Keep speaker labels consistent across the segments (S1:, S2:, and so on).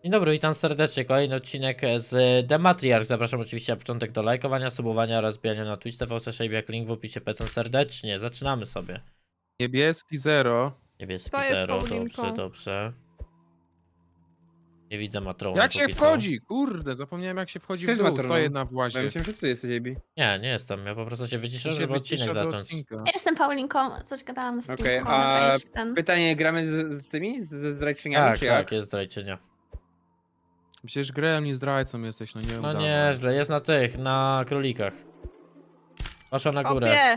S1: Dzień dobry, witam serdecznie. Kolejny odcinek z The Matriarch. Zapraszam oczywiście na początek do lajkowania, subowania oraz bijania na Twitch TV Shape, jak link w opisie. Pecą serdecznie. Zaczynamy sobie.
S2: Niebieski 0.
S1: Niebieski
S3: To jest
S1: 0,
S3: Paulinką.
S1: dobrze, dobrze. Nie widzę matrony.
S2: Jak się
S1: póki co.
S2: wchodzi? Kurde, zapomniałem jak się wchodzi
S4: Cześć,
S2: w dół.
S4: Matrono.
S2: Stoję na
S4: Ja
S2: włazie.
S4: myślałem, że ty jesteś AB.
S1: Nie jestem. Ja po prostu się wyciszyłem,
S2: Się
S1: żeby odcinek
S2: wycisza do
S1: zacząć.
S2: odcinka.
S5: Ja jestem Paulinką, coś gadałam z
S4: Okej,
S5: Teamką,
S4: a
S5: dajesz ten.
S4: pytanie, gramy ze tymi? Ze zdrajczyniami,
S1: Tak,
S4: czy
S1: tak,
S4: jak?
S1: jest zdrajczynia.
S2: Przecież grałem, nie zdrajcą jesteś, no nie
S1: No
S2: udawaj.
S1: nieźle, jest na tych, na królikach. Poszła na górę.
S3: Opie!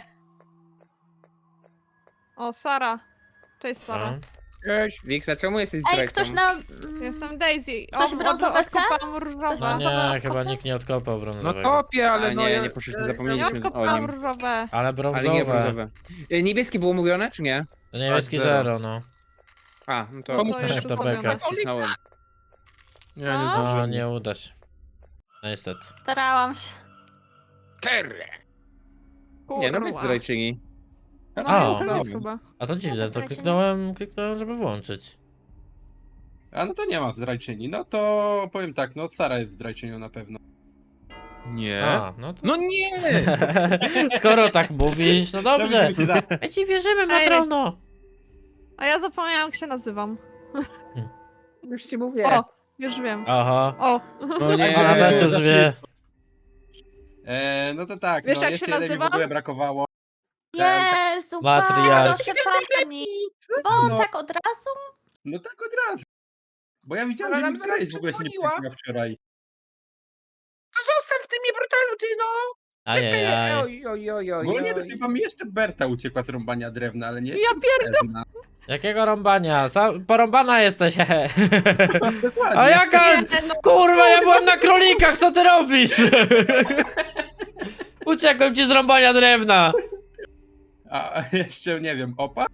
S3: O, Sara. Cześć,
S1: No.
S3: Sara.
S2: Cześć.
S4: Wiksa, czemu jesteś
S5: Ej,
S4: zdrajcą?
S5: ktoś na...
S3: Jestem Daisy.
S5: Ktoś brązowe chce?
S3: Odkopałam różowe.
S1: No
S5: Brązowe
S1: nie, chyba
S5: odkopy?
S1: nikt nie odkopał
S2: No
S1: brązowego.
S2: kopię, ale
S4: A
S2: no
S4: nie, nie poszliśmy,
S3: Ja
S4: zapomnieliśmy o
S3: odkopałam
S4: nim.
S3: różowe.
S1: Ale
S4: Ale nie
S1: brązowe.
S4: brązowe. Niebieskie było mówione, czy nie?
S1: To niebieski
S2: Tak, zero.
S1: 0, no.
S4: A, no to...
S2: Pomóż
S3: To
S2: mi
S3: jest
S2: się
S1: to
S3: zrobione.
S1: beka.
S4: Wcisnąłem.
S2: Ja nie
S3: Co?
S1: No,
S2: zdążyłem.
S1: nie uda się. No niestety.
S5: Starałam się.
S2: Kerre.
S4: Nie, no bez
S3: Kurwa.
S4: zdrajczyni.
S3: No,
S1: A.
S3: jest plus chyba.
S1: A to dziwne, to
S5: zdrajczyni.
S1: kliknąłem, żeby włączyć.
S6: A no to nie ma zdrajczyni. No to powiem tak, no Sara jest zdrajczynią na pewno.
S2: Nie.
S1: A, no to...
S2: No nie!
S1: Skoro tak mówisz, no dobrze.
S6: mi się da.
S1: My ci wierzymy, Matrono.
S3: A ja zapomniałam, jak się nazywam.
S4: Już ci mówię.
S3: O, już wiem.
S1: Aha.
S3: O,
S4: No nie.
S1: Ona też już wie.
S6: No to tak,
S3: Wiesz,
S6: no
S3: jak
S6: jeszcze
S3: się
S6: jeden mi w
S3: nazywa?
S6: ogóle brakowało.
S5: Jezu,
S1: Matriarch.
S5: proszę pani. Dzwon
S6: No.
S5: tak od razu?
S6: No tak od razu. Bo ja widziałem,
S4: Ale
S6: że
S4: nam
S6: mi
S4: zaraz
S6: grałeś w ogóle się nie
S4: przedzwoniła.
S6: przejęła wczoraj.
S4: Zostaw ty mnie brutalu, ty no!
S1: Ajajaj.
S4: Oj, oj, oj, oj,
S6: Bo nie, to
S4: oj.
S6: chyba mi jeszcze Berta uciekła z rąbania drewna, ale nie
S3: ja
S6: jestem pewna.
S1: Jakiego rąbania? Porąbana jesteś, hehe.
S6: Dokładnie.
S1: A jaka...
S3: Nie, no,
S1: Kurwa, ja byłem na królikach, co ty robisz? Uciekłem ci z rąbania drewna.
S6: A jeszcze, nie wiem, opa?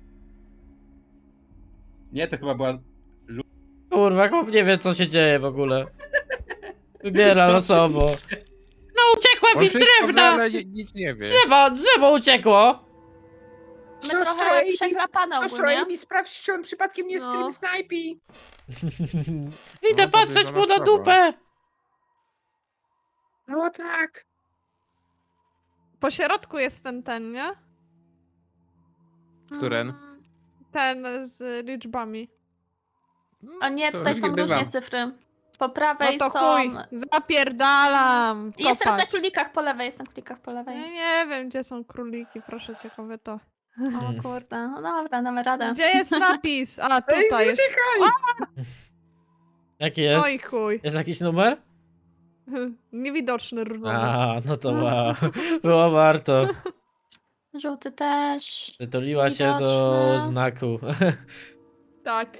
S6: Nie, to chyba była...
S1: Kurwa, chłop nie wie, co się dzieje w ogóle. Wybiera losowo. No uciekłem
S2: On
S1: mi z
S2: wszystko wie,
S1: drewna!
S2: ale nic nie wie.
S1: Drzewo uciekło!
S5: My
S4: Siostro
S5: trochę
S4: Amy,
S5: przeklapane
S4: Siostro
S5: ogólnie.
S4: Amy, sprawdź, czy on przypadkiem nie
S3: No.
S4: stream snajpi.
S1: Idę
S2: No,
S1: patrzeć mu
S2: podejrzana
S1: na
S2: sprawa.
S1: dupę!
S4: No tak.
S3: po środku jest ten, nie?
S2: Któren?
S3: Ten z liczbami.
S5: O nie,
S2: To
S5: tutaj
S4: różnie
S5: są
S4: bywa.
S5: różne cyfry. Po
S3: No
S5: prawej
S3: to
S5: są...
S3: chuj, zapierdalam.
S5: Jest teraz na
S3: kopać.
S5: królikach po lewej, jestem na królikach po
S3: Ja
S5: lewej.
S3: nie wiem, gdzie są króliki, proszę cię, kobieta.
S5: O kurde, no dobra, damy radę.
S3: Gdzie jest napis? A,
S4: Ej,
S3: tutaj jest.
S4: uciekaj!
S1: Jaki jest?
S3: Oj chuj.
S1: Jest jakiś numer?
S3: Niewidoczny różowy.
S1: A, no to wow. Było warto.
S5: Żółty też.
S1: Przytuliła się do
S5: Widoczne.
S1: znaku.
S3: Tak.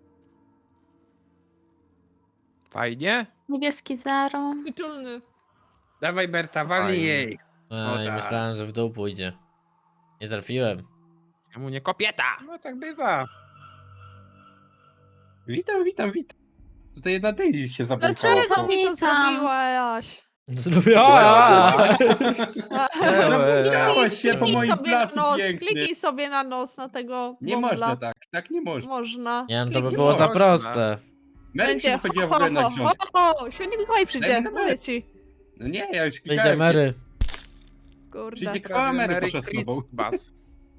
S2: Fajnie?
S5: Niebieski 0.
S3: Tytulny.
S4: Dawaj Berta, walnij
S2: Fajnie.
S4: jej.
S1: No i
S4: tak.
S1: myślałem, że w dół pójdzie. Nie trafiłem.
S2: Czemu nie kopieta?
S4: No tak bywa.
S6: Witam, witam, witam. Tutaj jedna Daisy się zabłąkała.
S3: Dlaczego mi to
S5: Witam.
S3: zrobiłaś?
S1: Zrobiła!
S6: Zabłąkałaś się po
S3: Kliknij
S6: moim
S3: sobie na
S6: placu
S3: nos,
S6: piękny.
S3: kliknij sobie na nos na tego
S6: Nie
S3: bąbla.
S6: można tak, tak nie można.
S3: Można.
S1: Nie, no to by
S3: Kliknij.
S1: było za
S2: można.
S1: proste.
S6: Mary się wychodziła w ogóle na książkę.
S3: Święty Mikołaj przyjdzie,
S6: Daj mi numer.
S3: mówię ci.
S6: No nie, ja już
S1: Wyjdzie
S6: klikałem.
S1: Mary.
S3: Kurde.
S6: Przyjdzie krwawa Mary poszła z tobą.
S2: Christmas.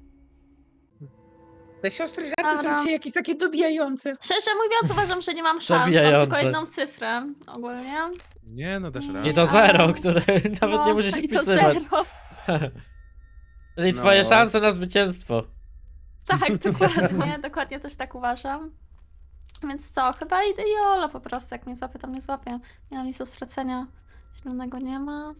S4: Te siostry żarty
S5: Dobra.
S4: są dzisiaj jakieś takie dobijające.
S5: Szczerze mówiąc, uważam, że nie mam szans. Mam
S1: Zabijające.
S5: tylko jedną cyfrę ogólnie.
S2: Nie, no dasz radę.
S1: I to zero, które nawet nie
S5: No,
S1: musisz
S5: i to
S1: wpisywać.
S5: zero.
S1: Czyli
S2: No.
S1: twoje szanse na zwycięstwo.
S5: Tak, dokładnie, dokładnie też tak uważam. Więc co, chyba idę Jolo po prostu, jak mnie złapie, to mnie złapie. Nie mam nic do stracenia. Zielonego nie ma.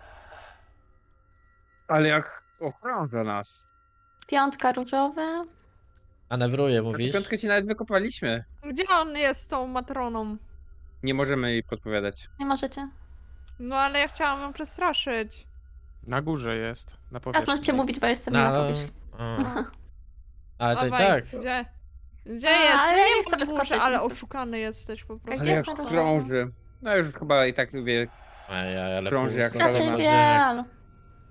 S4: Ale jak okrąża nas.
S5: Piątka różowy.
S1: Manewruję,
S4: Na tę
S1: mówisz?
S4: piątkę ci nawet wykopaliśmy.
S3: Gdzie on jest z tą matroną?
S4: Nie możemy jej podpowiadać.
S5: Nie możecie.
S3: No ale ja chciałam ją przestraszyć.
S2: Na górze jest. Na
S5: Teraz
S2: powierzchni.
S5: możecie mówić, bo jestem
S1: No,
S5: na
S1: ale...
S5: fobisz.
S1: o. Ale to i
S3: Dawaj,
S1: tak.
S3: Gdzie? Gdzie
S5: A,
S3: jest?
S5: ale
S3: No
S5: ja
S3: nie
S5: nie chcę
S3: chcę
S5: wyskoczyć,
S3: ale
S5: nie chcę
S3: oszukany jesteś po prostu.
S5: Gdzie
S4: Ale jak
S5: jest ten
S4: krąży. No już chyba i tak wie.
S1: Ajaj, ale
S4: Krąży jak
S1: pusto.
S4: szalona.
S5: Raczej
S1: Marzynek.
S5: wielu.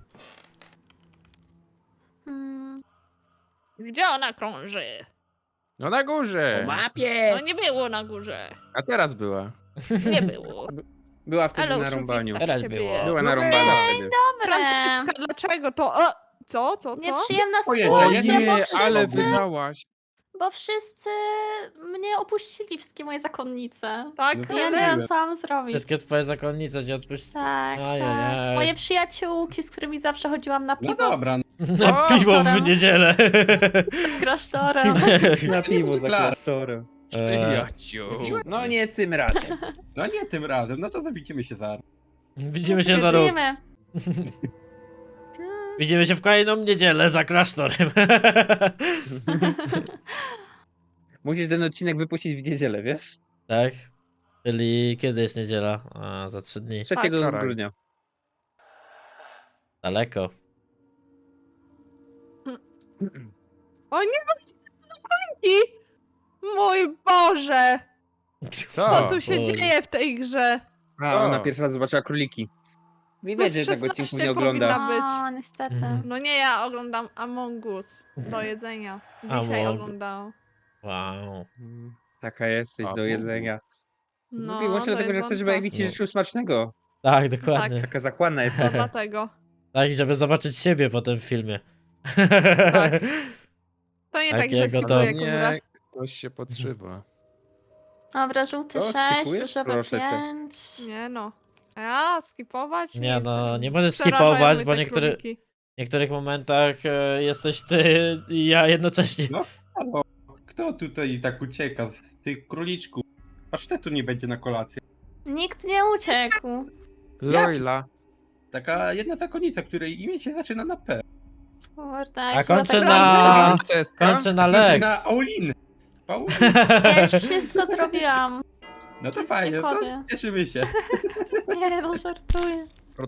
S5: Hmm,
S3: Gdzie ona krąży?
S2: No na górze.
S4: Po mapie!
S3: No nie było na górze.
S2: A teraz była.
S3: Nie było.
S4: Była wtedy
S3: Ale
S4: na rąbaniu.
S1: Teraz
S3: się
S1: było.
S3: bije.
S4: Była narąbana wtedy.
S5: Dobre.
S3: Franciszka, dlaczego to? O, co?
S5: Nieprzyjemna
S6: Pojęcia,
S5: sytuacja,
S6: nie,
S5: bo
S2: ale
S5: wszyscy,
S2: wygrałaś.
S5: bo wszyscy mnie opuścili, wszystkie moje zakonnice.
S3: Tak,
S6: No to
S5: Ja nie
S6: Tyle.
S5: wiem, co mam zrobić.
S1: Wszystkie twoje zakonnice cię odpuściły.
S5: Tak,
S1: Ajajaj.
S5: tak. Moje przyjaciółki, z którymi zawsze chodziłam na
S6: No
S5: piwo
S6: dobra,
S1: Na piwo w niedzielę.
S5: z klasztorem.
S4: Na piwo za
S6: Klar.
S4: klasztorem.
S2: Przyjaciół.
S4: No nie tym razem.
S6: no nie tym razem, no to widzimy się zaraz.
S1: Widzimy się za rok.
S5: Widzimy.
S1: Widzimy się w kolejną niedzielę za klasztorem.
S4: Musisz ten odcinek wypuścić w niedzielę, wiesz?
S1: Tak? Czyli kiedy jest niedziela? A, za 3 dni.
S4: 3
S2: wczoraj.
S4: grudnia.
S1: Daleko.
S3: O nie, króliki! Mój Boże! Co tu się
S1: Boże.
S3: dzieje w tej grze?
S4: A, ona pierwszy raz zobaczyła króliki. Widać, że tego odcinku
S3: 16
S4: nie ogląda.
S3: powinna być.
S5: O, niestety.
S3: No nie, ja oglądam Among Us do jedzenia. Dzisiaj
S1: Among-
S3: oglądałam.
S1: Wow.
S4: Taka jesteś do jedzenia.
S3: No,
S4: No, może
S3: do
S4: dlatego, że chcesz, żeby
S3: jedzonka.
S4: Ewi ci życzył smacznego.
S1: Tak, dokładnie.
S4: Taka zachłanna jest.
S3: To dlatego.
S1: Tak, żeby zobaczyć siebie potem w filmie.
S3: Tak. To nie tak, że
S1: Takiego to-
S3: skipuję kumra.
S2: Nie, ktoś się podszywa.
S5: Dobra, żółty
S4: Co,
S5: 6,
S4: skipujesz?
S5: różowy
S4: Proszę cię.
S5: 5.
S3: Nie no. A, skipować?
S1: Nie no,
S3: chcę.
S1: nie możesz
S3: Przerażają
S1: skipować,
S3: mnie
S1: bo
S3: te
S1: w
S3: króliki.
S1: niektórych momentach jesteś ty i ja jednocześnie.
S6: No. Halo, kto tutaj tak ucieka z tych króliczków? Pasztetu nie będzie na kolację.
S5: Nikt nie uciekł.
S2: Loila.
S6: Taka jedna zakonnica, której imię się zaczyna na P.
S5: Kurde,
S1: A
S5: chyba
S1: kończę
S5: tak
S1: na-
S2: Princeska.
S1: Kończę na
S6: Znaczy
S1: Lex.
S6: na Pauliny. Pauliny.
S5: Ja już wszystko zrobiłam.
S6: No to
S5: Wszystkie
S6: fajnie, to
S5: kody.
S6: cieszymy się.
S5: Nie, no żartuję.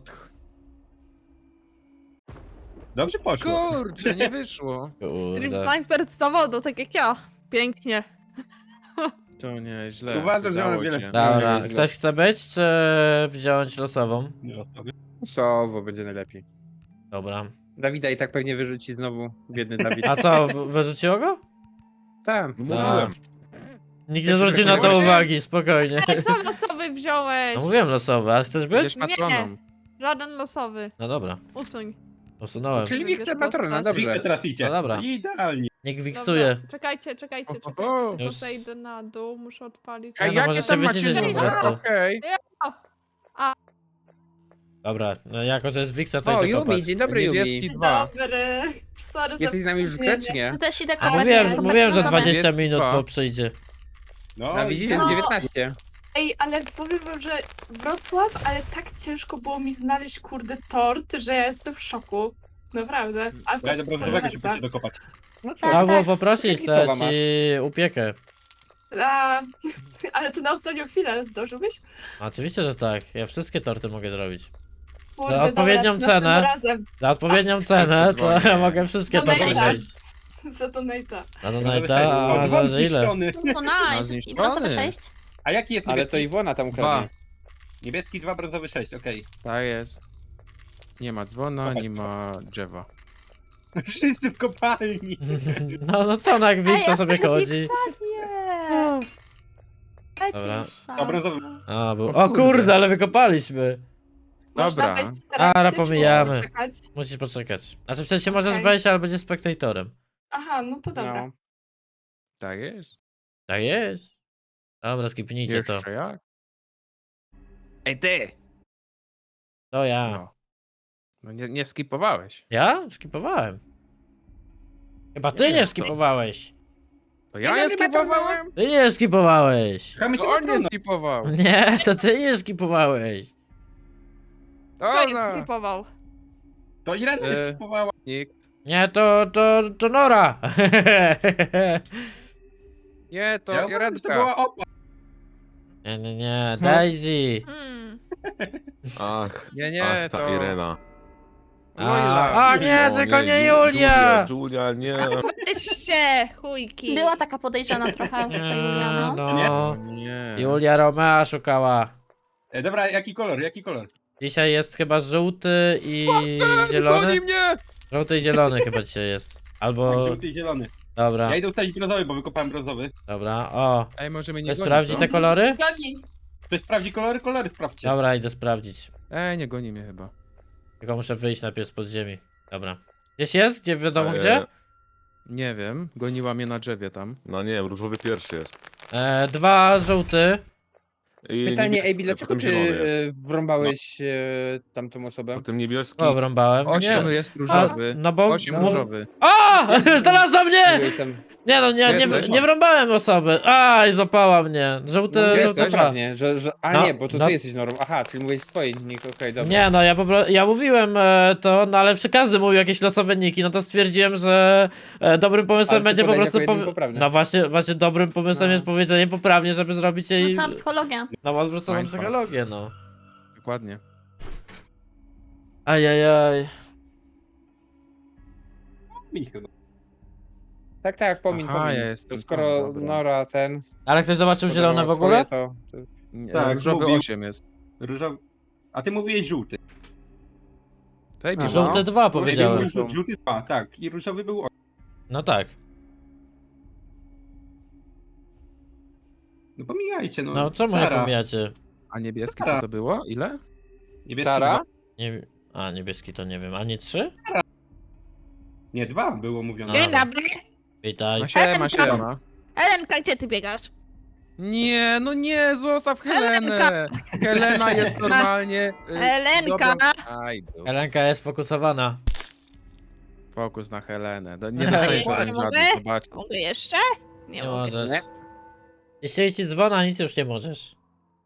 S6: Dobrze poszło.
S2: Kurczę, nie wyszło.
S3: Stream
S1: Kurde.
S3: Sniper z zawodu, tak jak ja. Pięknie.
S2: To nieźle.
S6: Uważam, że
S2: udało
S6: mam wiele
S2: cię.
S1: Dobra,
S6: Nie,
S1: ktoś chce być, czy wziąć losową?
S6: Nie losowy.
S4: Sowo będzie najlepiej.
S1: Dobra.
S4: Dawida i tak pewnie wyrzuci znowu, biedny Dawid.
S1: A co, wyrzuciło go?
S4: Tam.
S6: Mówiłem.
S1: Nikt nie
S4: Też
S1: zwróci na to
S2: właśnie-
S1: uwagi, spokojnie.
S3: Ale co losowy wziąłeś?
S1: No mówiłem losowy, a chcesz być?
S2: Będziesz patroną.
S3: Żaden losowy.
S1: No dobra,
S3: Usuń.
S1: usunąłem.
S4: Czyli
S3: Wybierz
S4: Wixer Patrona,
S3: postać.
S6: Widzę
S4: dobrze.
S6: traficie.
S1: No dobra.
S6: Idealnie.
S1: Niech wiksuje.
S3: Dobra, czekajcie.
S2: Oho.
S1: Już-
S3: Zejdę na dół, muszę odpalić.
S1: Nie, no,
S2: jakie
S1: możesz
S2: tam
S1: sobie
S2: macie
S1: wyciszyć po
S2: numery?
S1: prostu.
S2: Okej.
S1: Dobra, no jako, że jest Wiksa, to
S4: O,
S1: idę kopać.
S4: Yumi, dzień dobry
S2: Niebieski
S4: Yumi.
S2: 2.
S7: Dobry. Sorry
S4: Jesteś z nami już grze, czy nie?
S5: Tu też idę
S1: A
S5: kopać.
S1: mówiłem,
S5: idę
S1: mówiłem, że
S5: kopać.
S1: 20
S2: Jest
S1: minut
S2: dwa.
S1: po przyjdzie.
S6: No,
S4: A widzisz, jest
S7: No.
S4: 19.
S7: Ej, ale powiem wam, że Wrocław, ale tak ciężko było mi znaleźć, kurde, tort, że ja jestem w szoku. Naprawdę. A w
S6: ja do
S7: końcu
S6: brązowego się
S7: prawda.
S6: pójdzie dokopać.
S4: No co?
S5: Tak,
S1: Albo
S5: tak.
S1: poprosić,
S4: Jakie
S1: to
S4: słowa
S1: ja ci upiekę.
S7: A, ale to na ostatnią chwilę zdążyłbyś?
S1: Oczywiście, że tak. Ja wszystkie torty mogę zrobić.
S7: Kurde,
S1: Za odpowiednią
S7: dobra, następnym
S1: cenę.
S7: razem.
S1: Za odpowiednią cenę, to ja mogę wszystkie
S7: Dobra,
S1: torty
S7: dobra.
S1: zrobić.
S7: Za donate'a.
S1: A no
S6: Brązowy
S1: najta,
S6: sześć.
S1: a
S6: O, dzwon
S1: zależy ile.
S6: zniszczony.
S5: No nice. I
S2: zniszczony.
S5: brązowy 6?
S6: A jaki jest
S4: Ale
S6: niebieski?
S4: to Iwona tam
S2: Dwa.
S4: ukradnie.
S6: Niebieski 2, brązowy 6, okej.
S2: Tak jest. Nie ma dzwona, nie ma drzewa.
S6: Wszyscy w kopalni.
S1: No co, no jak Wiksa
S5: aż
S1: sobie
S5: tego
S1: chodzi.
S5: Wiksa? Nie. Dajcie
S1: Dobra.
S5: mi szansę.
S6: A brązowy.
S1: A, był.
S2: O
S1: O
S2: kurde.
S1: kurde, ale wykopaliśmy.
S7: Można
S2: Dobra.
S7: wejść w trakcie,
S1: Ara,
S7: czy
S1: pomijamy.
S7: muszę czekać?
S1: Musisz poczekać. Znaczy w sensie możesz
S7: Okej.
S1: wejść, ale będziesz spektatorem.
S7: Aha, no to dobra.
S4: No.
S2: Tak jest.
S1: Tak jest. Dobra, skipnijcie to.
S2: Jeszcze jak? Ej ty!
S1: To ja.
S2: No. No nie skipowałeś.
S1: Ja? Skipowałem. Chyba ty
S2: Nie,
S1: nie
S2: to-
S1: skipowałeś.
S2: To ja nie skipowałem?
S1: Ty nie skipowałeś.
S6: Chamy się
S2: To on nie
S6: patrona.
S2: skipował.
S1: Nie, to ty nie skipowałeś.
S3: Kto jest
S2: Ona!
S3: skipował?
S6: To Irena nie skipowała.
S2: Nikt.
S1: Nie, to Nora.
S2: Nie, to
S6: Ja uważam, że to
S2: Redka.
S6: była opa.
S1: Nie, Daisy.
S8: Ach,
S2: Nie,
S8: ach, ta
S2: to...
S8: Irena.
S2: Loila.
S1: A nie,
S8: O
S1: tylko nie
S8: Ju-
S1: Julia.
S8: Julia, nie.
S3: Weźcie, chujki.
S5: Była taka podejrzana trochę, ta Juliana.
S1: No,
S2: Nie.
S1: Julia Romea szukała.
S6: Dobra, jaki kolor, jaki kolor?
S1: Dzisiaj jest chyba żółty i zielony.
S2: Goni mnie!
S1: Żółty i zielony chyba dzisiaj jest.
S6: Tak,
S1: Albo...
S6: żółty i zielony.
S1: Dobra,
S6: Ja idę ustalić brązowy, bo wykopałem brązowy.
S1: dobra, o.
S2: Ej, może mnie nie
S1: Ktoś
S2: goni,
S1: sprawdzi
S2: co?
S1: te kolory?
S7: Goni.
S6: Ktoś sprawdzi kolory? Kolory sprawdźcie.
S1: Dobra, idę sprawdzić.
S2: Ej, nie goni mnie chyba.
S1: Tylko muszę wyjść najpierw z podziemi. Dobra. Gdzieś jest? Gdzie wiadomo gdzie?
S2: Nie wiem, goniła mnie na drzewie tam.
S8: No nie, różowy pierwszy jest.
S1: 2 żółty.
S8: I
S4: Pytanie,
S8: niebieski,
S4: Ejbi, dlaczego
S8: potem
S4: ty
S8: zielony jest.
S4: wrąbałeś tamtą osobę?
S8: Potem niebieski.
S1: O, wrąbałem.
S2: 8
S1: Nie.
S2: jest różowy.
S1: No bo...
S2: 8
S4: no.
S2: różowy.
S1: A! Znalazła mnie!
S4: Byłeś tam...
S1: Nie no,
S2: Jesteś?
S1: nie wrąbałem osoby. Aj, złapała mnie. Żółty,
S4: No,
S1: żółty
S4: jesteś,
S1: dwa.
S4: ładnie, a
S1: No,
S4: nie, bo to
S1: no.
S4: ty jesteś normą. Aha, czyli mówiłeś swojej nick, okej, dobra.
S1: Nie no, ja mówiłem to, no ale przy każdy mówił jakieś losowe niki, no to stwierdziłem, że dobrym pomysłem
S4: Ale ty
S1: będzie po
S4: podałeś
S1: prostu...
S4: jako jedyny poprawny.
S1: No właśnie dobrym pomysłem
S4: No.
S1: jest powiedzenie poprawnie, żeby zrobić jej...
S5: Wrzucałam psychologię.
S1: No odwróconą
S2: Mindfuck.
S1: psychologię, no.
S2: Dokładnie.
S1: Ajajaj.
S6: Mi chyba.
S4: Tak, pomin.
S2: Aha, ja jestem
S4: To skoro
S2: tam, dobra.
S4: Nora ten...
S1: Ale ktoś zobaczył zielone w ogóle?
S4: To...
S2: Nie,
S6: Tak,
S2: różowy
S6: mówił.
S2: 8 jest.
S6: Różowy. A ty mówiłeś żółty.
S2: Tej
S4: A,
S2: mi
S1: Żółte 2
S6: Ejbi
S1: powiedziałem.
S6: mówił żółty 2, tak. I różowy był
S1: No tak.
S6: No pomijajcie, no.
S1: No co mu nie
S6: Sara.
S1: pomijacie?
S2: A niebieski co to było? Ile?
S6: Niebieski
S4: Sara?
S6: 2.
S1: Nie... A, niebieski to nie wiem. A nie 3?
S6: Nie, 2 było mówione.
S1: A.
S3: Dzień dobry.
S1: Witaj.
S2: Ma siema.
S3: Elenka, gdzie ty biegasz?
S2: Nie, no nie, zostaw Helenę! Helena jest normalnie...
S3: Elenka!
S2: Idol.
S1: Helenka jest fokusowana.
S2: Fokus na Helenę. Nie
S1: Nie,
S2: dostajesz
S3: nie
S2: żaden
S3: mogę?
S2: żadnych, zobacz.
S3: Mogę jeszcze?
S1: Nie
S3: mogę.
S1: możesz.
S4: Nie.
S1: Jeśli ci dzwona, nic już nie możesz.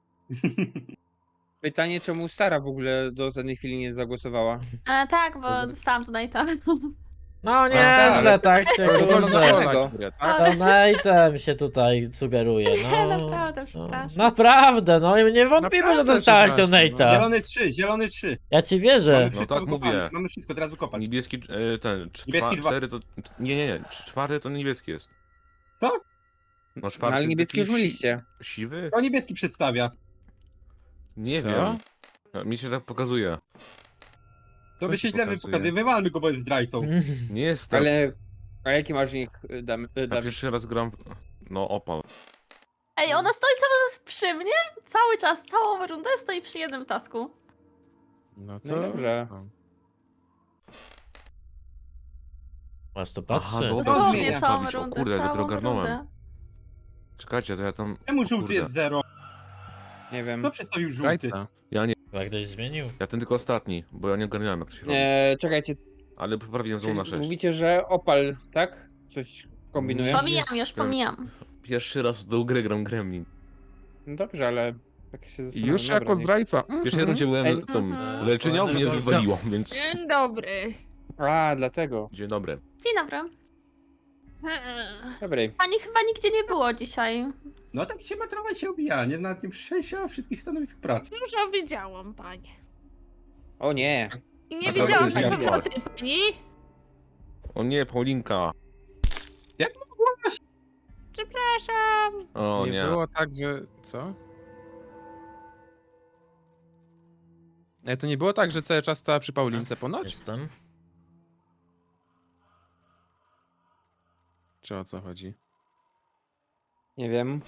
S4: Pytanie, czemu Sara w ogóle do żadnej chwili nie zagłosowała?
S5: Tak, bo dostałam donate'a.
S1: No nieźle, tak się
S2: To jest wolno
S1: kurde.
S2: zachować grę, tak?
S1: Donate'em się tutaj sugeruje, no.
S5: Naprawdę,
S1: No,
S5: przepraszam.
S1: naprawdę, no i nie wątpimy, że
S2: Naprawdę
S1: dostałaś
S2: przepraszam,
S1: donate'a.
S6: Zielony 3.
S1: Ja ci wierzę.
S6: Mamy
S8: No
S6: wszystko
S8: tak
S6: wykopane.
S8: mówię.
S6: Mamy wszystko, teraz wykopać.
S8: Niebieski, ten,
S6: Niebieski dwa.
S8: 4 to... Nie, czwarty to niebieski jest.
S6: Co?
S8: No
S4: No,
S8: czwarty
S4: ale niebieski już
S8: taki
S4: myliście.
S8: Siwy?
S6: To niebieski przedstawia.
S8: Nie
S2: Co?
S8: wiem. No, mi się tak pokazuje.
S6: To
S2: Co
S6: by
S2: się
S6: się źle
S2: pokazuje?
S6: pokazuje. Wywalmy go, bo jest zdrajcą.
S8: Nie jestem.
S4: Ale... A jaki masz nick,
S8: Ja
S4: Dawid?
S8: pierwszy raz gram... No opal.
S5: Ej, ona stoi cały czas przy mnie? Cały czas, całą rundę stoi przy jednym tasku.
S2: No co?
S4: No dobrze.
S2: No.
S1: Masz to
S8: Aha,
S1: patrzy.
S8: dobra.
S5: Dosłownie
S6: zmienia.
S5: całą
S8: Bawić, o
S5: rundę,
S8: kurde, dopiero
S5: całą
S8: ogarnąłem.
S5: rundę.
S8: Czekajcie, to ja tam...
S6: Czemu
S8: o
S6: żółty
S8: kurde.
S6: jest 0?
S4: Nie wiem.
S6: Kto przedstawił żółty?
S2: Zdrajca.
S1: Chyba ktoś zmienił.
S8: Ja ten tylko ostatni, bo ja nie ogarniałem jak to się robi.
S4: Czekajcie,
S8: Ale poprawiłem znowu
S4: czyli
S8: na 6.
S4: mówicie, że Opal, tak? Coś kombinuje?
S5: Pomijam już,
S8: Jestem.
S5: pomijam.
S8: Pierwszy raz do gry gram Gremlin.
S4: No dobrze, ale... Tak się
S2: I
S4: zastanawiam.
S2: już
S4: Dobra,
S2: jako
S4: nie-
S2: zdrajca.
S8: W pierwszej rundzie byłem
S4: Ej.
S8: tą
S5: Mhm.
S8: leczenią, mnie wywaliło, więc...
S3: Dzień dobry.
S4: A, dlatego.
S8: Dzień dobry.
S5: Dzień dobry.
S4: Dobrej.
S5: Pani chyba nigdzie nie było dzisiaj.
S6: No tak się matrowa się obija, nie? Nawet nie przejścia wszystkich stanowisk pracy.
S3: Dużo widziałam, panie.
S4: O nie.
S3: I nie
S6: A to
S3: widziałam
S6: jest
S3: tak
S6: ja.
S3: pewno tej pani.
S8: O nie, Paulinka.
S3: Przepraszam.
S8: O nie.
S2: było tak, że... Co? Ej, to nie było tak, że cały czas stała przy Paulince ponoć?
S1: Jestem.
S2: Czy o co chodzi?
S4: Nie wiem.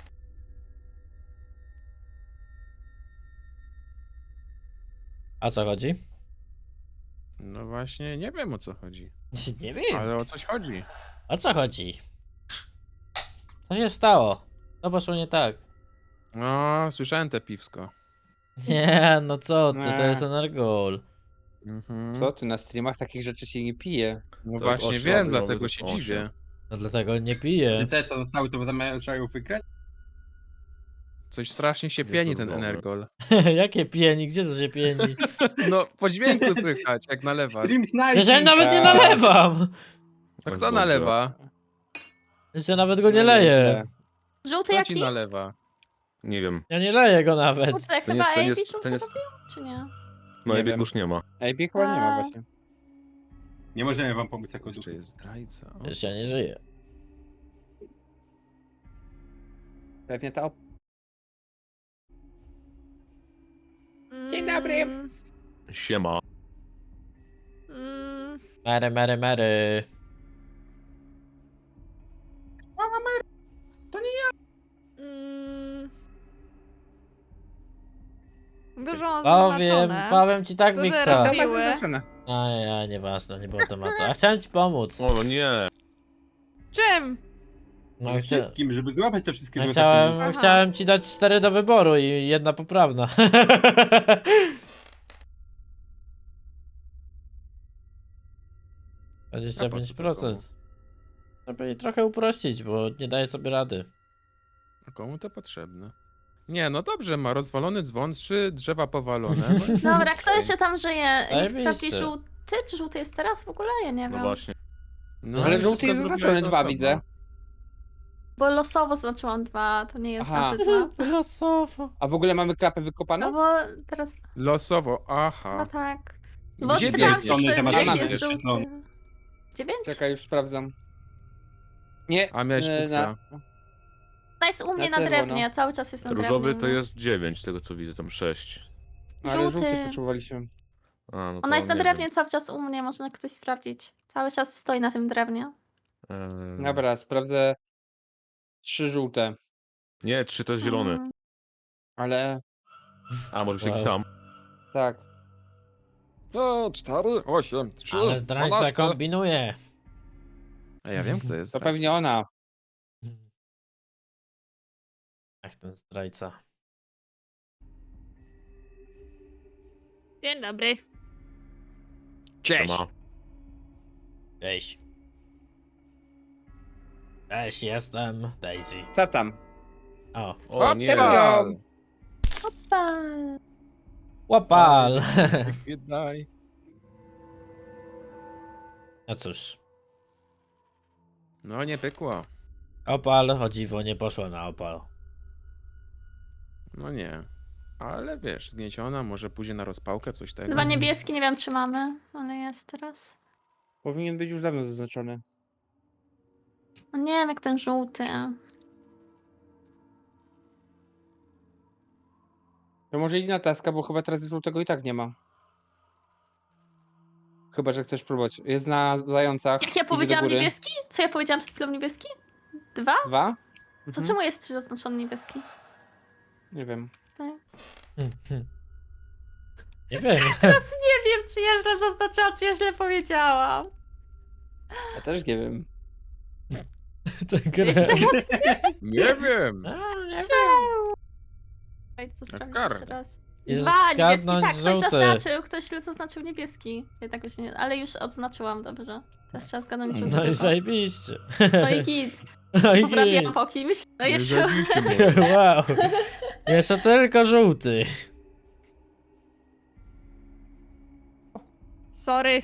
S1: A co chodzi?
S2: No właśnie, nie wiem o co chodzi.
S1: Nie wiem.
S2: Ale o coś chodzi.
S1: O co chodzi? Co się stało? Co poszło nie tak?
S2: No, słyszałem te piwsko.
S1: Nie, no co ty, to
S4: Nie.
S1: jest Energol.
S2: Mhm.
S4: Co ty, na streamach takich rzeczy się nie pije.
S2: No
S8: To jest
S2: właśnie
S8: osiem,
S2: wiem,
S8: no,
S2: dlatego
S8: to
S2: się
S8: jest
S2: dziwię.
S1: No dlatego nie piję.
S6: Te, co zostały, to zamierzają wygrać?
S2: Coś strasznie się
S8: Nie
S2: pieni
S8: są
S2: ten
S8: dobre.
S2: Energol.
S1: Jakie pieni? Gdzie to się pieni?
S2: No, po dźwięku słychać, jak nalewasz.
S6: Stream
S1: Ja
S6: Sniping!
S1: nawet nie nalewam!
S2: To
S8: Tak
S2: kto
S8: dobrze.
S2: nalewa?
S1: Jeszcze nawet go nie
S4: No
S1: leję.
S4: nieźle.
S5: Żółty
S2: Kto ci
S5: jaki?
S2: nalewa?
S8: Nie wiem.
S1: Ja nie leję go nawet.
S5: Kurde,
S8: To
S5: chyba
S8: nie jest-
S5: AB żółty
S8: to nie jest-
S5: robił, czy nie?
S8: No
S4: Nie
S8: i bieg
S4: wiem.
S8: już nie ma.
S4: Ej, chyba nie ma właśnie.
S6: Nie możemy wam pomóc jako
S2: Jeszcze
S6: duchy.
S2: jest zdrajca. O.
S1: Już ja nie żyję.
S4: Pewnie ta Dzień dobry.
S8: Siema.
S1: Mary.
S3: Dużo
S1: Powiem ci tak,
S3: Duże
S1: Wiksa.
S3: robi-
S4: Sama
S3: Miły.
S4: zaznaczone.
S1: A nieważne, nie było tematu. A chciałem ci pomóc.
S8: O nie.
S3: Czym?
S1: No,
S6: Wszystkim, żeby złapać te wszystkie złote
S1: chciałem,
S6: pieniądze.
S3: Aha.
S1: chciałem ci dać 4 do wyboru i jedna poprawna.
S2: A po co
S1: 25%. Żeby jej trochę uprościć, bo nie daje sobie rady.
S2: A komu to potrzebne? Nie, no dobrze, ma rozwalony dzwon, 3 drzewa powalone. No,
S5: Dobra, kto jeszcze tam żyje? Niech
S1: Zajebiste.
S5: sprawdzi żółty. Czy żółty jest teraz w ogóle? Ja nie
S8: No
S5: wiem.
S8: właśnie.
S2: no,
S4: Ale
S2: wszystko
S4: żółty jest
S2: zrobiła
S4: zaznaczony,
S2: jedna
S4: 2
S2: osoba.
S4: widzę.
S5: Bo losowo zaznaczyłam 2, to nie jest
S4: Aha.
S5: znaczy 2.
S1: Losowo.
S4: A w ogóle mamy klapę
S5: No
S4: wykopaną?
S5: bo teraz.
S2: Losowo,
S5: No
S2: aha.
S5: tak. Bo
S2: Gdzie
S5: spytałam
S2: biegniesz?
S5: się,
S6: One, że ma
S5: czy
S4: tam
S5: jest
S6: jest
S5: żółty.
S6: świetlony.
S5: 9?
S4: Czekaj, już sprawdzam. Nie.
S2: A miałeś puksa.
S5: Ona jest u mnie na
S4: Na czerwono.
S5: drewnie, cały czas jest na drewnie.
S8: Różowy to
S5: no.
S8: jest 9, z tego co widzę, tam 6.
S4: Ale
S5: Żółty.
S4: żółty poczuwaliśmy.
S8: A, no to
S5: Ona jest na
S8: nie
S5: drewnie
S8: wiem.
S5: cały czas u mnie, można ktoś sprawdzić. Cały czas stoi na tym drewnie.
S4: Dobra, sprawdzę. 3 żółte.
S8: Nie, 3 to jest zielony.
S5: Mm.
S4: Ale
S8: A, może
S1: Wow.
S8: jakiś sam.
S4: tak.
S2: No, 4, 8, 3,
S1: Ale zdrajca kombinuje.
S2: A ja wiem, kto jest
S4: To
S2: zdrajca.
S4: pewnie ona.
S1: Ach, ten zdrajca.
S3: Dzień dobry.
S2: Cześć!
S8: Ma.
S1: Cześć. Cześć, jestem Daisy.
S4: Co tam?
S1: O,
S8: O nie.
S4: Czempion!
S5: Pal.
S1: łapal.
S2: Daj.
S1: No cóż,
S2: No, nie pykło.
S1: opal, o dziwo, nie poszło na opal.
S2: No nie. Ale wiesz, zgnieciona, może pójdzie na rozpałkę, coś tego.
S5: 2 niebieski, nie wiem czy mamy, ale jest teraz.
S4: Powinien być już dawno zaznaczony.
S5: No nie wiem jak ten żółty.
S4: To może idź na taska, bo chyba teraz żółtego i tak nie ma. Chyba, że chcesz próbować. Jest na zającach.
S5: Jak ja
S4: idzie do
S5: powiedziałam
S4: góry.
S5: niebieski? Co ja powiedziałam przed chwilą niebieski? 2?
S4: 2?
S5: To
S4: Mhm.
S5: czemu jest 3 zaznaczony niebieski?
S4: Nie wiem.
S5: Tak.
S1: Nie wiem.
S5: Teraz nie wiem czy ja źle zaznaczyłam, czy ja źle powiedziałam.
S4: Ja też nie wiem.
S1: To gra.
S5: Jeszcze raz.
S2: Nie wiem!
S1: A, nie
S5: Ej, to
S2: Jak
S5: sprawdzić
S2: karę.
S5: jeszcze raz.
S1: Jest
S5: 2 niebieski,
S1: zgadnąć
S5: tak, ktoś
S1: żółty.
S5: zaznaczył, ktoś źle zaznaczył niebieski. Ja tak już nie, ale już odznaczyłam, dobrze. Teraz trzeba zgadnąć żółty.
S1: No i
S5: tylko.
S1: zajebiście.
S5: No i git.
S1: No i
S5: Poprawiłam
S1: git.
S5: po kimś. No
S2: Nie
S5: jeszcze.
S2: zabiliście mnie.
S1: Wow. Jeszcze tylko żółty.
S3: Sorry.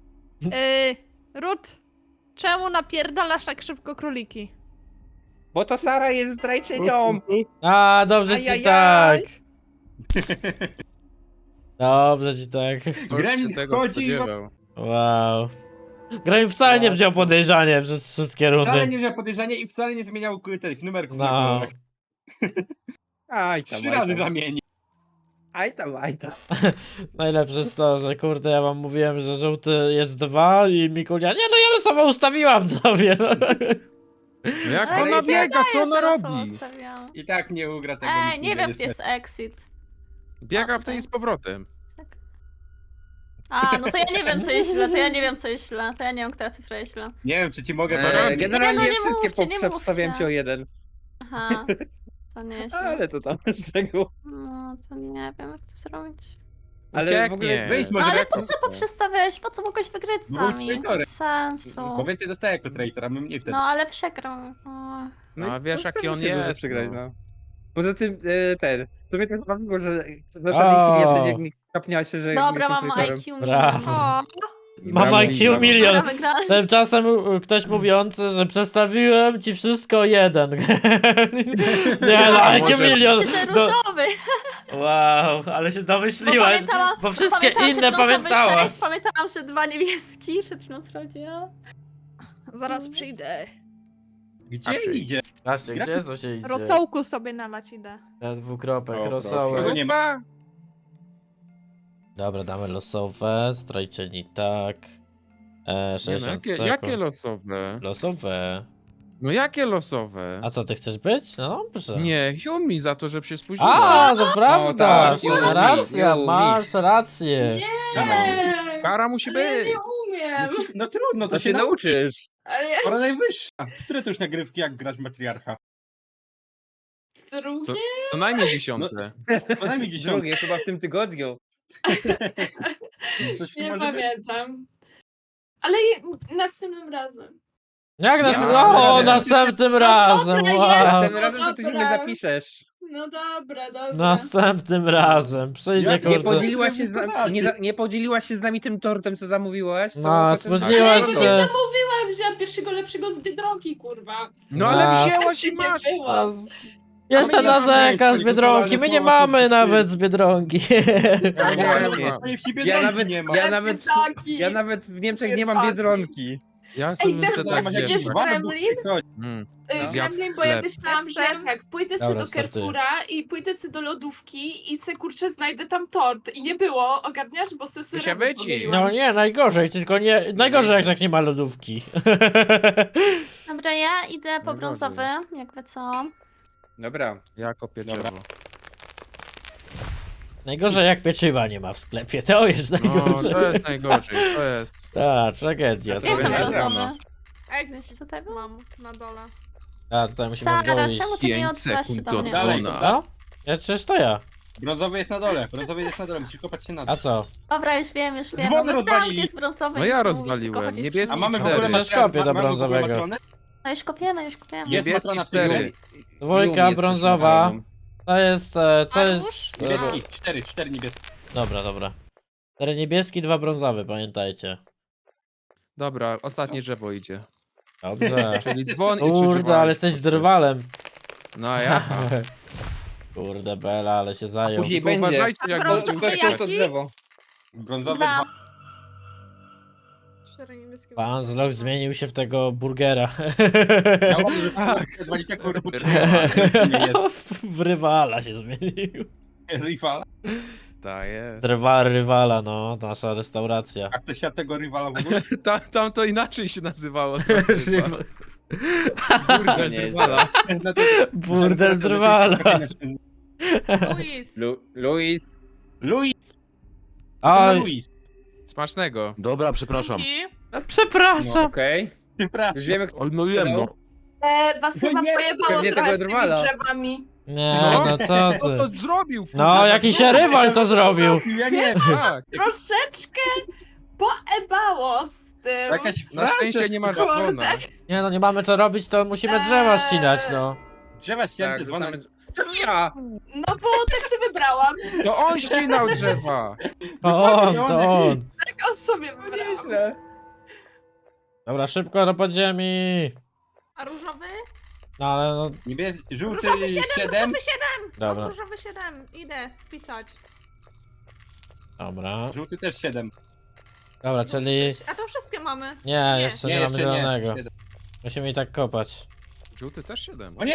S3: Rut, czemu napierdalasz tak szybko króliki?
S4: Bo to Sara jest zdrajczynią!
S1: A, dobrze ci
S4: Ajajaj.
S1: tak. Dobrze ci tak.
S2: Ktoś
S6: Gremlin
S2: się tego
S6: chodzi,
S2: spodziewał.
S1: Wow. Graham wcale nie wziął podejrzanie przez wszystkie
S6: Wcale
S1: rundy.
S6: nie wziął podejrzenia i wcale nie zmieniał tych numerków.
S1: No.
S6: na kolorach.
S4: Aj tam,
S6: 3
S4: aj
S6: razy
S4: tam.
S6: zamieni.
S4: Aj tam, aj tam.
S1: Najlepsze jest to, że kurde, ja wam mówiłem, że żółty jest 2 i Mikulia, nie no ja losowo ustawiłam sobie. No.
S2: No jak
S5: Ale
S2: ona
S5: mi się
S2: biega, co
S5: wydaje,
S2: ona
S5: że losowo
S2: robi?
S5: ustawiałam.
S6: I tak nie ugra tego.
S5: Ej, nie
S6: Mikulia,
S5: wiem gdzie jest
S6: niestety.
S5: exit.
S2: Biega
S5: A,
S2: w tej
S5: tutaj.
S2: z powrotem.
S5: A, no to ja nie wiem co jest źle, to ja nie wiem co jest źle, to ja nie wiem która cyfra jest źle.
S6: Nie wiem, czy ci mogę to robić.
S4: Generalnie
S5: Nie, no nie
S4: wszystkie
S5: mówcie, nie
S4: poprzedstawiałem
S5: mówcie.
S4: ci o 1.
S5: Aha, to nie źle.
S4: Ale to tam z tego.
S5: No, to nie wiem jak to zrobić.
S4: Ale w ogóle
S2: Ucieknie.
S6: wyjdź
S5: No
S6: może
S5: ale
S6: jak
S5: po co poprzestawiałeś? Po co mogłeś wygrać z
S6: No, był
S5: nami?
S6: traitorem.
S5: Bez sensu.
S6: Bo więcej dostaję jako traitor, a my mniej wtedy.
S5: No ale przegrał. O.
S2: No, a
S4: i
S2: wiesz,
S4: to
S2: jaki
S4: wtedy
S2: on
S4: się może
S2: jest,
S4: Przegrać,
S2: no.
S4: no. Poza tym to mnie tak bawiło, że w ostatniej chwili jeszcze nie kapniała się, że
S5: Dobra,
S4: jestem
S5: mam
S4: traitorem.
S5: IQ
S1: Brawo.
S5: milion.
S3: O,
S1: Mam
S2: Brawo,
S1: IQ
S2: brawo.
S1: milion.
S5: Dobra, wygrałem.
S1: Tymczasem ktoś mówiący, że przestawiłem ci wszystko 1. Nie no,
S2: A
S1: IQ
S2: może-
S1: milion.
S5: Myślę, że
S1: Do...
S5: różowy.
S1: Wow, ale się
S5: Bo
S1: domyśliłaś.
S5: pamiętałam,
S1: Bo wszystkie
S5: pamiętałam, że
S1: inne
S5: losowy
S1: pamiętałaś.
S5: 6, pamiętałam, że 2 niebieski przed chwilą sprawdziłam.
S3: zaraz przyjdę.
S6: Gdzie
S2: przyjdź.
S6: idzie?
S1: Patrzcie, gdzie to się idzie?
S3: Rosołku sobie nalać idę.
S1: Ja dwukropek,
S6: O, proszę.
S1: rosołek.
S6: Nie ma.
S1: Dobra, damy losowe, zdrajczyni tak.
S2: Nie, no,
S1: 60
S2: jakie
S1: sekund.
S2: losowe?
S1: Losowe.
S2: No jakie losowe?
S1: A co, ty chcesz być? No dobrze.
S2: Nie, Yumi za to, że się spóźniła.
S1: A, to prawda!
S4: tak,
S1: Masz
S4: Yumi,
S1: racja,
S4: Yumi.
S1: masz rację.
S7: Nie,
S2: Kara musi
S7: ale ja
S2: być.
S7: nie umiem.
S6: No trudno,
S4: To się nauczysz.
S7: Ale ja
S6: Pora najwyższa. Które to już nagrywki, jak grać matriarcha?
S7: drugie?
S2: Co najmniej 10.
S6: Co najmniej 10.
S4: Drugie, chyba w tym tygodniu.
S6: Coś tu
S7: Nie
S6: może być?
S7: pamiętam. Ale następnym razem.
S1: Jak nas...
S6: Nie ma
S1: No,
S6: problemu.
S1: następnym
S7: No
S1: razem,
S7: dobra,
S1: wow.
S7: jest.
S4: Ten razem to ty się nie
S7: dobra.
S4: zapiszesz.
S7: No dobra.
S1: Następnym razem. Przyjdzie
S6: Jak
S4: Nie
S1: kurde.
S4: podzieliłaś się nie podzieliłaś się z nami tym tortem, co zamówiłaś? To
S1: No,
S4: potem-
S1: spóźniłaś
S7: Ale ja
S1: się.
S7: go nie zamówiłam, wziąłem pierwszego lepszego z Biedronki, kurwa.
S2: No ale
S1: A.
S2: wzięłaś i
S7: Gdzie
S2: masz.
S7: było?
S1: Jeszcze
S6: A my nie mamy
S1: narzeka z
S6: swojego
S1: Biedronki, my nie
S6: towaru,
S1: mamy
S6: słowa,
S1: nawet z Biedronki.
S2: Ja
S4: Nie,
S2: mam.
S4: nie.
S6: No i w ciebie
S4: Ja
S6: drogi
S4: nawet,
S6: nie ma.
S4: ja nawet w Niemczech nie mam Biedronki.
S2: Ja
S7: Ej,
S2: sobie
S7: wiesz,
S2: chcę
S7: właśnie
S2: tak
S7: wiesz,
S2: wiesz.
S7: Gremlin?
S2: Mm.
S4: No.
S7: Gremlin, bo ja
S2: Chleb.
S7: myślałam, że tak, pójdę sobie
S1: Dobra,
S7: do
S1: startuję.
S7: Carrefoura i pójdę sobie do lodówki i se kurczę znajdę tam tort. I nie było, ogarniasz? Bo se
S2: się
S7: syrowy
S2: wyci.
S7: pomyliłam.
S1: No nie, najgorzej, tylko nie... Najgorzej jak tak nie ma lodówki.
S5: Dobra, ja idę po
S2: Najgorzej.
S5: brązowy, jakby co.
S4: Dobra.
S2: Jako pieczywo.
S1: Najgorzej jak pieczywa nie ma w sklepie, to jest
S2: No,
S1: najgorzej.
S2: to jest najgorzej, to jest.
S1: Tak, tragedia.
S7: Ja
S1: To
S5: Jestem
S1: jest...
S4: Dobra,
S5: brązowy.
S3: Ej,
S5: Wiesz tutaj był?
S3: mam na dole.
S1: A, tutaj musimy
S5: Sara,
S1: wdoić.
S5: czemu ty nie
S2: 5
S5: odzywasz się
S2: sekund
S5: do
S2: do
S5: mnie?
S6: Dalej.
S2: dzwona.
S1: No? Ja przecież to ja.
S6: Brązowy jest na dole, musisz kopać się na
S1: A
S6: dół.
S1: co?
S5: Dobra, już wiem.
S6: Dzwony
S5: No tam,
S6: rozwalili.
S5: gdzie jest brązowy.
S2: No ja
S5: nic nie mówisz,
S2: rozwaliłem.
S5: tylko chodzisz
S2: Niebieski
S6: A
S5: przy
S6: mamy w
S5: nim.
S6: ogóle
S1: Przecież kopię do
S6: mamy w ogóle
S1: brązowego.
S6: matronę?
S5: No już kopiemy, już kopiemy.
S6: Jest
S2: Niebieski
S6: matrona w
S2: 4.
S1: Dwójka
S4: Yumi jest
S1: brązowa.
S4: przeciwko
S1: To jest... Co jest...
S6: Niebieski, 4 niebieskie.
S1: Dobra, dobra. 4 niebieski, 2 brązowe, pamiętajcie.
S2: Dobra, ostatnie drzewo idzie.
S1: Dobrze.
S2: Czyli dzwon i 3
S1: Kurde,
S2: drzewa.
S1: ale jesteś drwalem.
S2: No ja.
S1: Kurde, Bela, ale się zajął.
S4: Później
S2: Tylko
S4: będzie.
S2: uważajcie jak
S3: Brązowy
S2: go
S4: Tylko
S3: jaki?
S4: chciał to drzewo.
S6: Brązowy
S5: Dwa.
S6: 2.
S3: 4 niebieskie.
S1: Pan Zlok zmienił się w tego burgera.
S6: Ja mam, że
S2: Tak.
S6: zwali taką reputację. Nie jest
S1: W rywala się zmienił.
S6: rywala.
S2: Ta jest.
S1: Rywala, no, nasza restauracja.
S6: A ktoś siadł tego rywala w ogóle?
S2: Tam to inaczej się nazywało. to chyba. Kurde,
S4: Nie,
S2: drwala.
S6: No to-
S1: Burdel drwala.
S3: Luis.
S4: Luis.
S6: Louis,
S1: Oj,
S6: Louis.
S2: Smacznego.
S8: Dobra, przepraszam.
S1: przepraszam.
S4: Okej.
S6: Przepraszam.
S4: Już wiemy, kto...
S8: Oj, no wiem, no.
S7: Was
S6: No
S7: chyba
S6: nie,
S7: pojebało
S4: pewnie
S7: trochę
S4: tego
S7: z tymi
S4: drwala.
S7: drzewami.
S1: Nie,
S2: No.
S1: no co
S2: Kto to
S1: ty.
S2: zrobił?
S1: No, jakiś rywal to zrobił.
S6: Ja nie wiem.
S2: Tak.
S7: Troszeczkę poebało z tym.
S6: Jakaś
S2: Na szczęście nie masz
S7: Kurde.
S2: dzwona.
S1: Nie no, nie mamy co robić, to musimy drzewa ścinać, no.
S6: drzewa ścięte
S4: Tak,
S6: dzwonem.
S4: rzucamy... Czemu ja?
S7: No bo tak sobie wybrałam.
S2: To on ścinał drzewa.
S1: To on.
S7: Tak on sobie wybrałam.
S4: Nieźle.
S1: Dobra, szybko do podziemi.
S3: A różowy?
S1: No ale no,
S6: Żółty
S3: Różowy 7,
S6: 7.
S3: różowy 7!
S1: dobra,
S3: Różowy 7, idę wpisać.
S1: dobra.
S6: Żółty też 7.
S1: Dobra, czyli...
S3: A to wszystkie mamy.
S1: Nie, jeszcze nie mamy zielonego.
S6: 7.
S1: Musimy i tak kopać.
S2: Żółty też 7.
S6: O nie!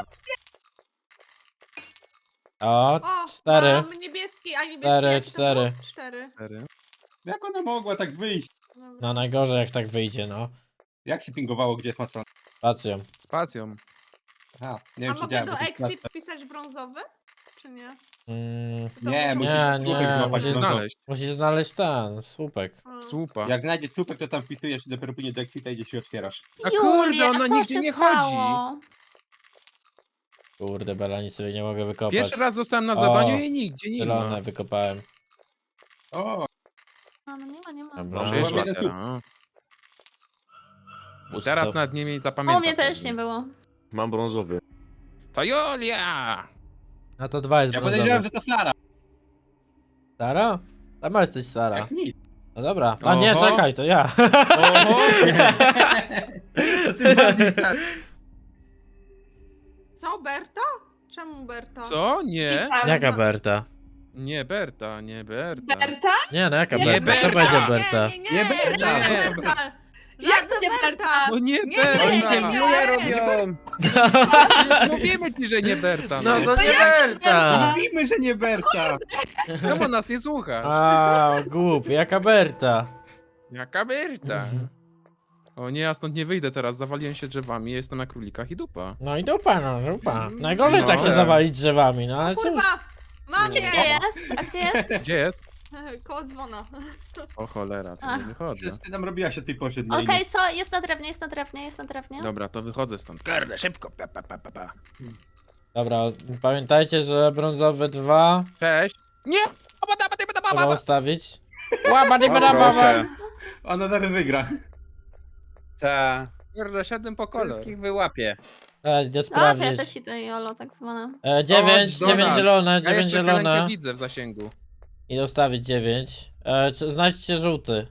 S1: O,
S3: O,
S1: 4.
S3: mam niebieski, a niebieski
S1: 4,
S3: jaki to było?
S1: 4.
S3: 4.
S6: Jak ona mogła tak wyjść?
S1: No najgorzej jak tak wyjdzie, no.
S6: Jak się pingowało, gdzie jest matrona?
S1: Spacją.
S2: Spacją.
S6: Aha, nie
S3: A
S6: wiem, czy
S3: mogę
S6: działa.
S3: do
S6: bo to jest
S3: exit wpisać brązowy? Czy nie? To
S6: Nie,
S3: muszę-
S6: musisz
S1: Nie,
S6: słupek
S1: nie,
S6: złapać
S1: musisz
S6: brązowy.
S2: Znaleźć.
S1: Musisz znaleźć ten, słupek.
S3: A.
S2: Słupa.
S6: Jak znajdziesz słupek, to tam wpisujesz i dopiero później do exita idziesz i otwierasz.
S2: A kurde,
S5: Julia,
S2: ona
S5: co
S2: nigdzie
S5: się
S2: nie
S5: stało?
S1: Kurde, Bela, nic sobie nie mogę wykopać.
S2: Pierwszy raz zostałem na
S1: O,
S2: zadaniu i nigdzie nie ma.
S1: Zielone wykopałem.
S6: O,
S5: A, no nie ma, nie ma.
S1: Dobra.
S2: Może jest
S6: Mam jeden
S2: latera.
S1: Pusto.
S2: Teraz nad nimi
S5: O
S2: zapamiętam.
S5: mnie też nie było.
S8: Mam brązowy.
S2: To Julia!
S1: No to 2 jest
S6: ja podejrzewam,
S1: brązowy.
S6: że to Sara.
S1: Sara? Tam jesteś Sara.
S6: Jak nic.
S1: No dobra. A nie,
S2: Oho.
S1: czekaj, to ja.
S2: Oho!
S6: To tym bardziej Sara.
S3: Co, Berta? Czemu Berta?
S2: Co? Nie?
S1: Jaka Berta?
S2: Nie Berta, nie Berta.
S7: Berta?
S1: Nie, no jaka
S7: Nie,
S1: Berta? Co
S2: Berta.
S1: będzie Berta?
S6: Nie Berta.
S2: Nie.
S3: Berta.
S7: Jak to nie Berta?
S2: No nie
S3: Nie,
S2: Berta!
S4: Oni cię
S3: nie,
S4: Julia
S3: nie.
S4: robią.
S2: Przecież mówimy ci, że nie Berta.
S1: No
S2: No
S1: to nie Berta!
S6: Mówimy, że nie Berta.
S2: Czemu nas nie słuchasz?
S1: A, głupi, jaka Berta?
S2: Jaka Berta? O nie, ja stąd nie wyjdę teraz, zawaliłem się drzewami, jestem na królikach i dupa.
S1: No i dupa, no dupa. Najgorzej
S2: No.
S1: tak się zawalić drzewami, no ale cóż.
S3: Kurwa! Mam
S5: Gdzie
S3: cię!
S5: jest? A gdzie jest?
S2: Gdzie jest?
S3: Koło dzwona.
S2: O cholera, to
S5: Ach.
S2: nie wychodzę.
S6: Przecież ty tam robiłaś o tej porze dnia.
S5: Okej, co? Jest na drewnie, jest na drewnie, jest na drewnie.
S2: Dobra, to wychodzę stąd. Kurde, szybko. Pa, pa, pa, pa, pa.
S1: Dobra, pamiętajcie, że brązowy 2
S2: Cześć. Nie!
S1: trzeba ustawić. Łaba,
S4: O, proszę.
S6: Ona zaraz wygra.
S4: Ta.
S2: Kurde, szedłem po kolor.
S4: Wszystkich wyłapie.
S1: Idę
S5: A, to ja
S1: sprawdzić.
S5: też idę jolo, tak zwane.
S1: 9
S2: do nas.
S1: zielone,
S2: Ja
S1: 9
S2: jeszcze chwileńkę
S1: zielone.
S2: widzę w zasięgu.
S1: I ustawić 9. Znajdźcie żółty.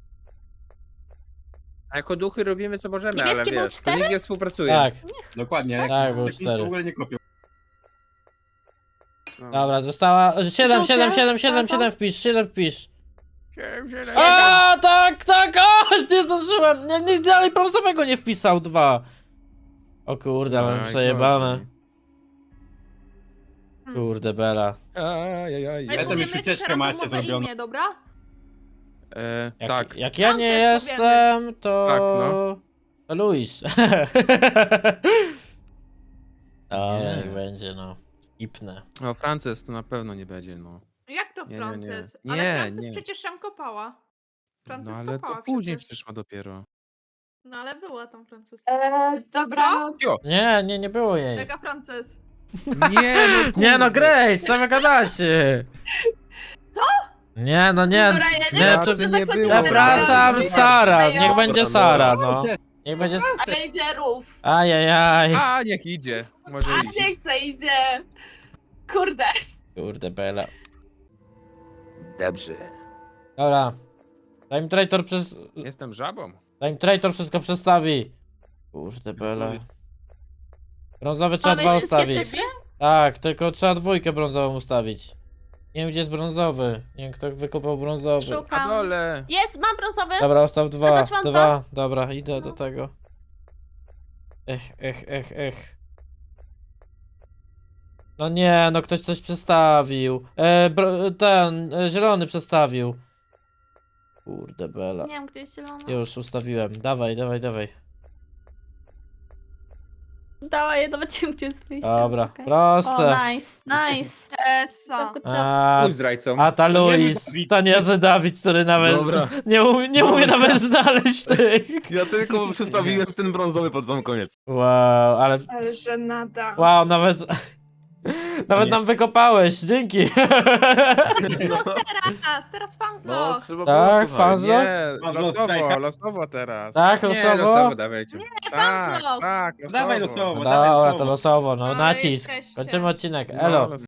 S4: A jako duchy robimy co możemy,
S5: Niebieski
S4: ale
S5: był
S4: wiesz, to
S5: 4?
S4: nikt nie współpracuje.
S1: Tak,
S6: Dokładnie.
S1: Tak, był
S6: Nikt w
S1: 4.
S6: ogóle nie kopią.
S4: No.
S1: Dobra, została. 7,
S5: Żółty?
S1: 7, 7, 7,
S5: Co?
S1: 7 wpisz, 7 wpisz.
S2: Siedem.
S1: A, tak, tak, o, nie zdążyłem. Nie, dalej brązowego nie wpisał 2. O kurde, ale
S2: Aj,
S1: przejebane.
S2: gorzej.
S1: Kurde, Bela.
S2: Ajajaj.
S6: Ja tam już ucieczkę macie zrobioną.
S3: Imię, dobra?
S1: Jak,
S2: Tak.
S1: jak ja
S3: Tam
S1: nie
S3: też
S1: jestem, to...
S2: Tak, no.
S1: To Luis. O,
S2: Nie.
S1: niech będzie, no. Skipnę.
S2: O, Frances to na pewno nie będzie, no.
S3: Jak to
S2: Nie, nie, nie.
S3: Frances?
S2: Nie,
S3: Ale Frances
S2: nie.
S3: przecież ją kopała. Frances
S2: No ale
S3: kopała
S2: to później
S3: przecież.
S2: przyszła dopiero.
S3: No ale była tam Frances.
S7: Dobra.
S1: Nie było jej.
S3: Jaka Frances?
S2: Nie, no
S1: Nie no,
S2: kurde.
S1: Grace, co wy gadacie?
S3: Co?
S1: Nie, no nie.
S7: Dobra, ja nie
S1: Nie,
S7: wiem,
S1: to-
S7: co za
S2: nie
S7: zakładnicy
S2: było.
S1: Przepraszam,
S7: robią.
S1: Sara. Niech
S7: Robią.
S1: będzie Sara, no. Niech będzie...
S7: Ale idzie rów.
S1: Ajajaj.
S2: A, niech idzie. Może
S7: A
S2: iść.
S7: nie chcę, idzie. Kurde.
S1: Kurde, Bela.
S2: Dobrze.
S1: Dobra. Zanim traitor przez...
S2: Jestem żabą.
S1: Zanim traitor wszystko przestawi. Kurde, Bela. Brązowy trzeba
S5: Mamy
S1: 2
S5: wszystkie
S1: ustawić.
S5: cyfry?
S1: Tak, tylko trzeba 2 brązową ustawić. Nie wiem, gdzie jest brązowy. Nie wiem, kto wykopał brązowy.
S2: Na
S5: Szukam.
S2: dole.
S5: Jest, mam brązowy.
S1: Dobra, ustaw 2.
S5: Zaznaczyłam
S1: 2. Dobra, idę do
S5: No.
S1: tego. Ech. No nie, no ktoś coś przestawił. Zielony przestawił. Kurde, Bela.
S5: Nie wiem, gdzie jest zielony.
S1: Już ustawiłem. Dawaj.
S5: Dawaj, nawet nie wiem, gdzie jest wyjście.
S1: Dobra,
S5: Czekaj.
S1: proste.
S5: O, nice.
S3: Esa.
S5: Good job.
S4: Pójdź zdrajcą.
S1: A ta Luis,
S6: Dawid.
S1: to niezły Dawid, który nawet
S8: Dobra.
S1: nie umie nawet znaleźć tych.
S8: Ja tylko przestawiłem ten brązowy pod sam koniec.
S1: Wow, ale
S7: Ale żenada.
S1: wow, nawet
S6: Nie.
S1: nam wykopałeś, dzięki.
S3: Teraz fanzlog.
S8: No, trzeba
S1: Tak,
S8: było, słuchaj.
S1: fanzlog?
S2: Nie,
S6: Losowo.
S2: losowo teraz.
S1: Tak,
S4: Nie,
S1: losowo?
S4: losowo dawajcie.
S2: Tak,
S3: fanzlog.
S2: tak, losowo.
S6: Dawaj losowo,
S1: Dobra, to losowo, no
S3: Ale
S1: nacisk.
S3: jesteście.
S1: Kończymy odcinek,
S2: No,
S1: elo.